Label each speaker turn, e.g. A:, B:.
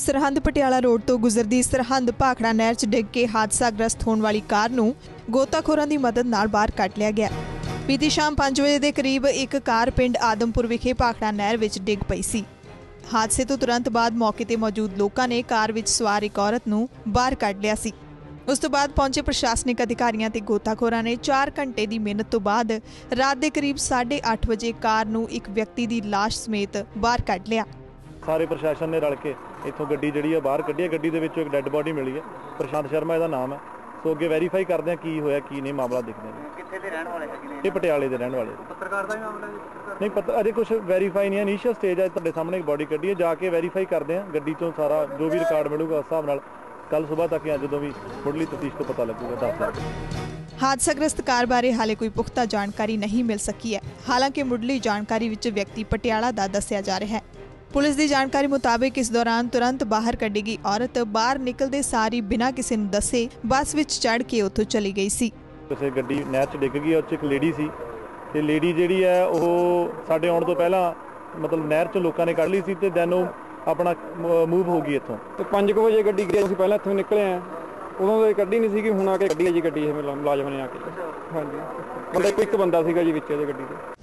A: Sirhind Patiala road तो गुजरदी सरहंद भाखड़ा नहर च डिग के हादसाग्रस्त होने वाली कार नूं गोताखोरां दी मदद नाल बाहर कढ लिया गया। बीती शाम 5 बजे के करीब एक कार पिंड आदमपुर विखे भाखड़ा नहर विच डिग पई सी। हादसे तो तुरंत बाद मौके ते मौजूद लोगों ने कार विच सवार एक औरत नूं बाहर कढ लिया सी। उस तो बाद पहुंचे प्रशासनिक अधिकारियों ते गोताखोरां ने 4 घंटे की मेहनत तो बाद रात के करीब 8:30 बजे कार नूं एक व्यक्ति की लाश समेत बाहर कढ लिया।
B: सारे प्रशासन ने रल के इत्थों गड्डी जिहड़ी है बाहर कड्ढी है। गड्डी दे विचों एक डैड बॉडी मिली है। प्रशांत शर्मा इसदा नाम है। सो अगे वैरीफाई करते हैं की होया की नहीं, मामला देखते हैं।
C: कित्थे दे रहण वाले है?
B: ये पटियाले दे रहण वाले।
C: पत्रकार दा ही मामला है?
B: नहीं पता, अजे कुछ वैरीफाई नहीं है। इनिशियल स्टेज है, तुहाडे सामने एक बॉडी कड्ढी है, जाके वैरीफाई करते हैं गड्डी चों सारा जो भी रिकॉर्ड मिलूगा उस हिसाब नाल कल सुबह तक या जदों भी मुढ़ली तफ्तीश तो पता लगेगा। 10 लाख
A: हादसाग्रस्त कार बारे हाले कोई पुख्ता जानकारी नहीं मिल सकी है। हालांकि मुढ़ली जानकारी विच व्यक्ति पटियाला दा दस्सिया जा रहा है। पुलिस की जानकारी मुताबिक इस दौरान तुरंत बाहर कढ़ी गई औरत बाहर निकलते सारी बिना किसी नूं दस्से बस विच चढ़ के उत्थों चली गई सी।
B: किसी गड्डी नहर च डिग गई, उस एक लेडी सी ते लेडी जिहड़ी है ਉਹ ਸਾਡੇ ਆਉਣ ਤੋਂ ਪਹਿਲਾਂ मतलब नहर च लोगों ने कढ़ ली सी ते दैन ਉਹ अपना मूव हो गई इत्थों।
D: ਤੇ 5 ਵਜੇ ਗੱਡੀ ਗਈ, ਅਸੀਂ ਪਹਿਲਾਂ ਇੱਥੋਂ ਨਿਕਲੇ ਆ, ਉਦੋਂ ਤਾਂ ਕੱਢੀ ਨਹੀਂ ਸੀਗੀ, ਹੁਣ ਆ ਕੇ ਗੱਡੀ ਹੈ ਜੀ, ਗੱਡੀ ਇਹ ਮੁਲਾਜ਼ਮ ਨੇ ਆ ਕੇ। ਹਾਂਜੀ ਬੰਦਾ ਇੱਕ ਬੰਦਾ ਸੀਗਾ ਜੀ ਵਿੱਚ ਇਹਦੇ ਗੱਡੀ ਦੇ।